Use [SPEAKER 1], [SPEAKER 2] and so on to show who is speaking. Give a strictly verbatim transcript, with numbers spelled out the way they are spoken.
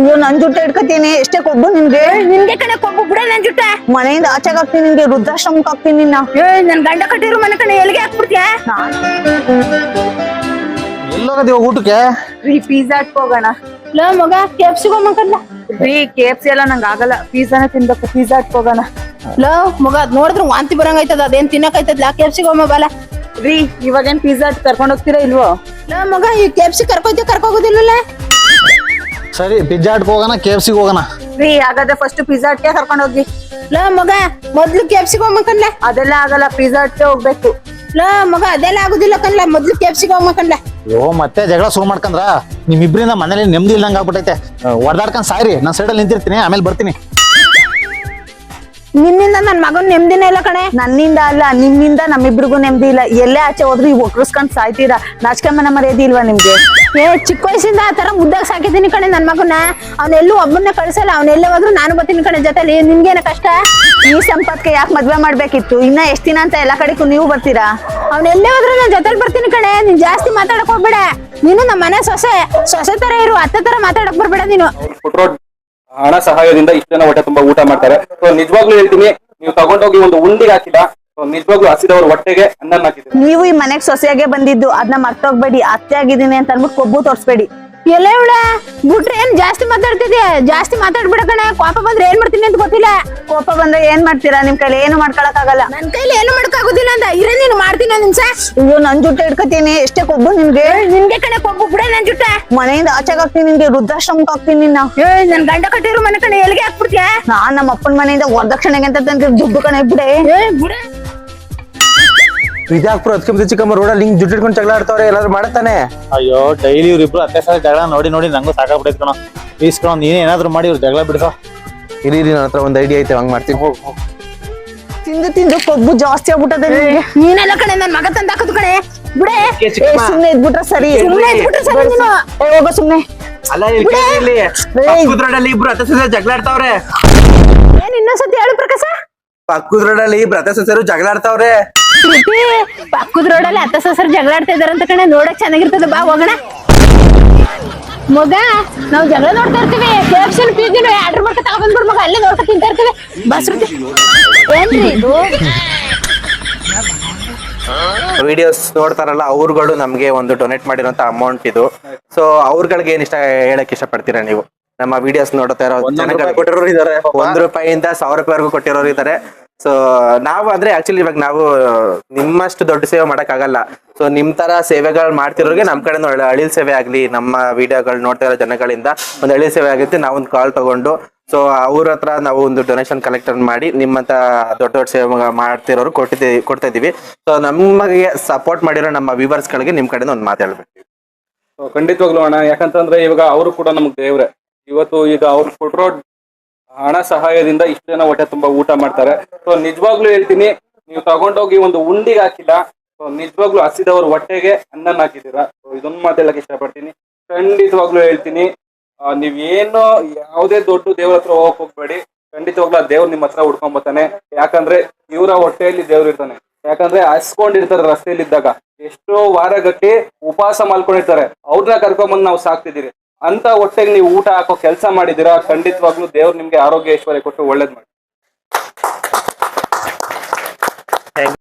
[SPEAKER 1] ಅಯ್ಯೋ ನನ್ ಜುಟ್ಟ ಇಟ್ಕೋತೀನಿ ಎಷ್ಟೇ ಕೊಬ್ಬು ನಿನ್ಗೆ
[SPEAKER 2] ನಿನ್ಗೆ ಕಡೆ ಕೊಬ್ಬು ಬಿಡ ನನ್ ಜುಟ್ಟ
[SPEAKER 1] ಮನೆಯಿಂದ ಆಚೆಗೆ ಹಾಕ್ತೀನಿ ನಿನ್ಗೆ ವೃದ್ಧಾಶ್ರಮಕ್ಕೆ ಹಾಕ್ತೀನಿ ನಿನ್ನ
[SPEAKER 2] ನನ್ ಗಂಡ ಕಟ್ಟಿರೋ ಮನೆ ಕಡೆ ಎಲ್ಲಿಗೆ ಹಾಕ್ಬಿಡ್ತೀಯ
[SPEAKER 3] ಎಲ್ಲೋಗದಿವ ಊಟಕ್ಕೆ
[SPEAKER 1] ರೀ ಪಿಜ್ಜಾ ಹೋಗೋಣ
[SPEAKER 2] ಲೋ ಮಗ ಕೆಫ್ಸಿ ಹೋಗ್ಬೇಕಲ್ಲ
[SPEAKER 1] ರೀ ಕೆ ಎಫ್ ಸಿ ಎಲ್ಲ ನಂಗೆ ಆಗಲ್ಲ ಪಿಜ್ಜಾನೇ ತಿನ್ಬೇಕು ಪಿಜ್ಜಾ ಹೋಗೋಣ
[SPEAKER 2] ಲೋ ಮಗ ಅದ್ ನೋಡಿದ್ರೆ ವಾಂತಿ ಬರಂಗೈತದ ಅದೇನ್ ತಿನ್ನಕೈತದ ಕೆಫ್ಸಿ ಹೋಗ ಬಾಲ
[SPEAKER 1] ರೀ ಇವಾಗೇನ್ ಪಿಜ್ಜಾ ಕರ್ಕೊಂಡ್ ಹೋಗ್ತೀರಾ ಇಲ್ವೋ
[SPEAKER 2] ಲೋ ಮಗ ಈ ಕೆಫ್ಸಿ ಕರ್ಕೊಯ್ತ ಕರ್ಕೋಗೋದಿಲ್ಲ
[SPEAKER 3] ಸರಿ ಪಿಜ್ಜಾ ಹಟ್ಗೆ ಹೋಗೋಣ ಕೆ ಎಫ್ ಸಿಗೆ ಹೋಗೋಣ
[SPEAKER 1] ರೀ ಹಾಗಾದ್ರೆ ಫಸ್ಟ್ ಪಿಜ್ಜಾ ಹಟ್ಗೆ ಕರ್ಕೊಂಡ್ ಹೋಗಿ
[SPEAKER 2] ಲೋ ಮಗ ಮೊದ್ಲು ಕೆಫ್ಸಿ ಹೋಗ್ಬೇಕಲ್ಲ
[SPEAKER 1] ಅದೆಲ್ಲ ಆಗಲ್ಲ ಪಿಜ್ಜಾ ಹಟ್ಗೆ ಹೋಗ್ಬೇಕು
[SPEAKER 2] ಲೋ ಮಗ ಅದೆಲ್ಲ ಆಗುದಿಲ್ಲ ಕನ್ಲ ಮೊದ್ಲು ಕೆಫ್ಸಿ ಹೋಗ್ಬೇಕಲ್ಲ
[SPEAKER 3] ಅಯ್ಯೋ ಮತ್ತೆ ಜಗಳ ಶುರು ಮಾಡ್ಕಂದ್ರ ನಿಮ್ಮಿಬ್ರಿಂದ ಮನೇಲಿ ನೆಮ್ಮದಿ ಇಲ್ದಂಗ ಆಗ್ಬಿಟ್ಟೈತೆ ಹೊಡೆದಾಡ್ಕೊಂಡ್ ಸಾಯ್ರಿ ನಾನು ಸೈಡಲ್ಲಿ ನಿಂತಿರ್ತೀನಿ ಆಮೇಲೆ ಬರ್ತೀನಿ
[SPEAKER 2] ನಿನ್ನಿಂದ ನನ್ ಮಗನ್ ನೆಮ್ಮದಿನೇ ಇಲ್ಲ ಕಣೆ
[SPEAKER 1] ನನ್ನಿಂದ ಅಲ್ಲ ನಿಮ್ಮಿಂದ ನಮ್ಮಿಬ್ರಿಗೂ ನೆಮ್ಮದಿ ಇಲ್ಲ ಎಲ್ಲೇ ಆಚೆ ಹೋದ್ರು ಈ ಒಕ್ಕರ್ಸ್ಕೊಂಡ್ ಸಾಯ್ತೀರಾ ನಾಚಿಕೆ ಮನ ಮರ್ಯಾದೆ ಇಲ್ವಾ ನಿಮ್ಗೆ
[SPEAKER 2] ಏ ಚಿಕ್ಕ ವಯಸ್ಸಿಂದ ಆ ತರ ಮುದ್ದಾಗ ಸಾಕಿದ್ದೀನಿ ಕಣೆ ನನ್ ಮಗನ ಅವ್ನೆಲ್ಲೂ ಒಬ್ಬನ್ನ ಕಳ್ಸಲ್ಲ ಅವ್ನೆಲ್ಲೇ ಹೋದ್ರು ನಾನು ಬರ್ತೀನಿ ಕಣೆ ಜೊತೆಲಿ ನಿನ್ಗೇನ ಕಷ್ಟ
[SPEAKER 1] ಈ ಸಂಪತ್ಗೆ ಯಾಕೆ ಮದ್ವೆ ಮಾಡ್ಬೇಕಿತ್ತು ಇನ್ನ ಎಷ್ಟ್ ದಿನ ಅಂತ ಎಲ್ಲಾ ಕಡೆಗೂ ನೀವು ಬರ್ತೀರಾ
[SPEAKER 2] ಅವ್ನೆಲ್ಲೇ ಹೋದ್ರು ನಾನ್ ಜೊತೆಲಿ ಬರ್ತೀನಿ ಕಣೆ ನೀನ್ ಜಾಸ್ತಿ ಮಾತಾಡಕ್ ಹೋಗ್ಬೇಡ ನೀನು ನಮ್ಮ ಮನೆ ಸೊಸೆ ಸೊಸೆ ತರ ಇರು ಅತ್ತೆ ತರ ಮಾತಾಡಕ್ ಬರ್ಬೇಡ ನೀನು
[SPEAKER 4] ಹಣ ಸಹಾಯದಿಂದ ಇಷ್ಟು ಜನ ಹೊಟ್ಟೆ ತುಂಬಾ ಊಟ ಮಾಡ್ತಾರೆ ಸೊ ನಿಜವಾಗ್ಲೂ ಹೇಳ್ತೀನಿ ನೀವು ತಗೊಂಡೋಗಿ ಒಂದು ಉಂಡಿಗೆ ಹಾಕಿಲ್ಲ ನಿಜವಾಗ್ಲೂ ಹಸಿದವ್ರ ಹೊಟ್ಟೆಗೆ ಅನ್ನ ಹಾಕಿದ್ರು
[SPEAKER 1] ನೀವು ಈ ಮನೆಗ್ ಸೊಸೆಯಾಗೆ ಬಂದಿದ್ದು ಅದನ್ನ ಮರ್ತೋಗ್ಬೇಡಿ ಅತ್ತೆ ಆಗಿದ್ದೀನಿ ಅಂತ ಅನ್ಬಿಟ್ಟು ಕೊಬ್ಬು ತೋರ್ಸ್ಬೇಡಿ
[SPEAKER 2] ಎಲ್ಲ ಇವಳ ಬಿಟ್ರೆ ಏನ್ ಜಾಸ್ತಿ ಮಾತಾಡ್ತಿದ್ಯಾ ಜಾಸ್ತಿ ಮಾತಾಡ್ಬಿಡ ಕಣೆ ಕೋಪ ಬಂದ್ರೆ ಏನ್ ಮಾಡ್ತೀನಿ ಅಂತ ಗೊತ್ತಿಲ್ಲ
[SPEAKER 1] ಕೋಪ ಬಂದ್ರೆ ಏನ್ ಮಾಡ್ತೀರಾ ನಿಮ್ ಕೈಲಿ ಏನು ಮಾಡ್ಕೊಳಕ್ ಆಗಲ್ಲ
[SPEAKER 2] ನನ್ ಕೈಲಿ ಏನು ಮಾಡಕ್ಕಾಗೋದಿಲ್ಲ ಅಂತ ಇರೇ ನೀನು ಮಾಡ್ತೀನಿ ಒಂದ್ ನಿಮಿಷ
[SPEAKER 1] ಅಯ್ಯೋ ನನ್ ಜುಟ್ಟ ಇಟ್ಕೋತೀನಿ ಎಷ್ಟೇ ಕೊಬ್ಬು ನಿಮ್ಗೆ
[SPEAKER 2] ನಿನ್ಗೆ ಕಣೆ ಕೊಬ್ಬು ಬಿಡ ನನ್ ಜುಟ್ಟ
[SPEAKER 1] ಮನೆಯಿಂದ ಆಚೆಗೆ ಹಾಕ್ತೀನಿ ನಿನ್ಗೆ ವೃದ್ಧಾಶ್ರಮಕ್ಕೆ ಹಾಕ್ತೀನಿ ನಿನ್ನ
[SPEAKER 2] ಏ ನನ್ ಗಂಡ ಕಟ್ಟಿರೋ ಮನೆ ಕಣೆ ಎಲ್ಲಿಗೆ ಹಾಕ್ಬಿಡ್ತೀಯ
[SPEAKER 1] ನಾನ್ ನಮ್ಮ ಅಪ್ಪನ ಮನೆಯಿಂದ ವರದಕ್ಷಿಣೆಗೆ ಅಂತ ತಂದ್ರೆ ದುಡ್ಡು ಕಣೆ ಬಿಡೆ
[SPEAKER 2] ಏ ಬಿಡ
[SPEAKER 5] ವಿದ್ಯಾಪುರ ಅದಕ್ಕೆ ಚಿಕ್ಕಮ್ಮ ರೋಡಲ್ಲಿ ಹಿಂಗ್ ಜುಟ್ಟು ಇಟ್ಕೊಂಡು ಜಗಳ ಆಡ್ತಾವ್ರೆ ಎಲ್ಲಾರು ಮಾಡತಾನೆ
[SPEAKER 3] ಅಯ್ಯೋ ಡೈಲಿ ಇವ್ರಿಬ್ರು ಅತ್ತೆ ಸಲ ಜಗಳ ನೋಡಿ ನೋಡಿ ನಂಗೂ ಸಾಕಾಗ್ಬಿಟ್ಟೈತೆ ಕಣ ಪ್ಲೀಸ್ ಕಣ ನೀನೇ ಏನಾದ್ರು ಮಾಡಿ ಇವ್ರು ಜಗಳ ಬಿಡಿಸೋ
[SPEAKER 5] ಇರಿ ನನ್ನ ಹತ್ರ ಒಂದ್ ಐಡಿಯಾ ಐತೆ ಹಂಗ್ ಮಾಡ್ತೀನಿ ಹೋಗ್ ಹೋಗ್
[SPEAKER 1] ತಿಂದು ತಿಂದು ಕೊಬ್ಬು ಜಾಸ್ತಿ ಆಗ್ಬಿಟ್ಟದೆ ನಿನ್ಗೆ
[SPEAKER 2] ನೀನೆಲ್ಲ ಕಣೆ ನನ್ ಮಗ ತಂದ ಹಾಕದ್ ಕಣೆ ಬಿಡೆ
[SPEAKER 1] ಏ, ಸುಮ್ನೆ ಇದ್ಬಿಟ್ರೆ ಸರಿ
[SPEAKER 2] ಸುಮ್ನೆ ಇದ್ಬಿಟ್ರೆ ಸರಿ ನೀನು
[SPEAKER 1] ಏ, ಹೋಗೋ ಸುಮ್ನೆ
[SPEAKER 5] ಅಲ್ಲ ಇಲ್ಲಿ ರೋಡಲ್ಲಿ ಇಬ್ರು ಅತ್ತೆ ಸೊಸೆ ಜಗಳ ಆಡ್ತಾವ್ರೆ
[SPEAKER 2] ಏನ್ ಇನ್ನೊಂದ್ಸತಿ ಹೇಳು ಪ್ರಕಾಶ
[SPEAKER 5] ಪಕ್ಕದ ರೋಡಲ್ಲಿ ಇಬ್ರು ಅತ್ತೆ ಸೊಸೆರು ಜಗಳ ಆಡ್ತಾವ್ರೆ
[SPEAKER 2] ಪ್ರೀತಿ ಪಕ್ಕದ ರೋಡಲ್ಲಿ ಅತ್ತ ಸೊಸರು ಜಗಳ ಆಡ್ತಾ ಇದಾರಂತ ಕಣೆ ನೋಡಕ್ ಚೆನ್ನಾಗಿರ್ತದೆ ಬಾ ಹೋಗೋಣ ಮಗ ನಾವ್ ಜಗಳ ನೋಡ್ತಾ ಇರ್ತೀವಿ ಕೆಎಫ್ಸಿ ಪಿಜ್ಜಾ ಆರ್ಡರ್ ಮಾಡ್ಕೊ ತಗೊಂಡ್ಬಿಡ್ ಮಗ ಅಲ್ಲೇ ನೋಡ್ಕೊ ತಿಂತಾ ಇರ್ತೀವಿ ಬಸ್ ಏನ್ರಿ ಇದು
[SPEAKER 5] ವಿಡಿಯೋಸ್ ನೋಡ್ತಾರಲ್ಲ ಅವ್ರುಗಳು ನಮ್ಗೆ ಒಂದು ಡೊನೇಟ್ ಮಾಡಿರೋಂತ ಅಮೌಂಟ್ ಇದು ಸೊ ಅವ್ರಗಳಿಗೆ ಏನ್ ಇಷ್ಟ ಹೇಳಕ್ ಇಷ್ಟ ಪಡ್ತೀರಾ ನೀವು ನಮ್ಮ ವಿಡಿಯೋಸ್ ನೋಡ್ತಾ ಇರೋ
[SPEAKER 3] ಕೊಟ್ಟಿರೋರು ಇದಾರೆ
[SPEAKER 5] ಒಂದ್ ರೂಪಾಯಿಂದ ಸಾವಿರ ರೂಪಾಯಿವರೆಗೂ ಕೊಟ್ಟಿರೋರು ಇದಾರೆ ಸೊ ನಾವು ಅಂದ್ರೆ ಆಕ್ಚುಲಿ ಇವಾಗ ನಾವು ನಿಮ್ಮಷ್ಟು ದೊಡ್ಡ ಸೇವೆ ಮಾಡಕ್ ಆಗಲ್ಲ ಸೊ ನಿಮ್ ತರ ಸೇವೆಗಳು ಮಾಡ್ತಿರೋರಿಗೆ ನಮ್ ಕಡೆ ಅಳಿಲ್ ಸೇವೆ ಆಗ್ಲಿ ನಮ್ಮ ವಿಡಿಯೋಗಳು ನೋಡ್ತಾ ಇರೋ ಜನಗಳಿಂದ ಒಂದು ಅಳಿಲ್ ಸೇವೆ ಆಗುತ್ತೆ ನಾವೊಂದು ಕಾಲ್ ತಗೊಂಡು ಸೊ ಅವ್ರ ಹತ್ರ ನಾವು ಒಂದು ಡೊನೇಷನ್ ಕಲೆಕ್ಟ್ ಮಾಡಿ ನಿಮ್ಮಂತ ದೊಡ್ಡ ದೊಡ್ಡ ಸೇವೆ ಮಾಡ್ತಿರೋರು ಕೊಟ್ಟಿದ್ದೀವಿ ಕೊಡ್ತಾ ಇದೀವಿ ಸೊ ನಮಗೆ ಸಪೋರ್ಟ್ ಮಾಡಿರೋ ನಮ್ಮ ವ್ಯೂವರ್ಸ್ ಗಳಿಗೆ ನಿಮ್ ಕಡೆಯಿಂದ ಒಂದು ಮಾತಾಡ್ಬೇಕು
[SPEAKER 4] ಖಂಡಿತವಾಗ್ಲೂ ಅಣ್ಣ ಯಾಕಂತಂದ್ರೆ ಇವಾಗ ಅವರು ಕೂಡ ನಮ್ಗೆ ದೇವ್ರೆ ಇವತ್ತು ಈಗ ಅವ್ರು ಕೊಟ್ಟಿರೋ ಹಣ ಸಹಾಯದಿಂದ ಇಷ್ಟು ಜನ ಹೊಟ್ಟೆ ತುಂಬಾ ಊಟ ಮಾಡ್ತಾರೆ ಸೊ ನಿಜವಾಗ್ಲೂ ಹೇಳ್ತೀನಿ ನೀವು ತಗೊಂಡೋಗಿ ಒಂದು ಉಂಡಿಗೆ ಹಾಕಿಲ್ಲ ಸೊ ನಿಜವಾಗ್ಲೂ ಹಸಿದವ್ರ ಹೊಟ್ಟೆಗೆ ಅನ್ನ ಹಾಕಿದ್ದೀರಾ ಸೊ ಇದೊಂದು ಮಾತಾಡಕ್ ಇಷ್ಟಪಡ್ತೀನಿ ಖಂಡಿತವಾಗ್ಲೂ ಹೇಳ್ತೀನಿ ನೀವ್ ಏನು ಯಾವುದೇ ದೊಡ್ಡ ದೇವ್ರ ಹತ್ರ ಹೋಗಕ್ ಹೋಗ್ಬೇಡಿ ಖಂಡಿತವಾಗ್ಲೂ ಆ ದೇವ್ರು ನಿಮ್ಮ ಹತ್ರ ಹುಡ್ಕೊಂಡ್ ಬರ್ತಾನೆ ಯಾಕಂದ್ರೆ ಇವರ ಹೊಟ್ಟೆಯಲ್ಲಿ ದೇವ್ರು ಇರ್ತಾನೆ ಯಾಕಂದ್ರೆ ಹಸ್ಕೊಂಡಿರ್ತಾರೆ ರಸ್ತೆಯಲ್ಲಿದ್ದಾಗ ಎಷ್ಟೋ ವಾರಗಟ್ಟಿ ಉಪವಾಸ ಮಾಡ್ಕೊಂಡಿರ್ತಾರೆ ಅವ್ರನ್ನ ಕರ್ಕೊಂಬಂದ್ ನಾವು ಸಾಕ್ತಿದ್ದೀರಿ ಅಂತ ಹೊಟ್ಟೆಗೆ ನೀವು ಊಟ ಹಾಕೋ ಕೆಲಸ ಮಾಡಿದೀರಾ ಖಂಡಿತವಾಗ್ಲೂ ದೇವ್ರು ನಿಮ್ಗೆ ಆರೋಗ್ಯ ಐಶ್ವರ್ಯ ಕೊಟ್ಟು ಒಳ್ಳೇದ್ ಮಾಡಿ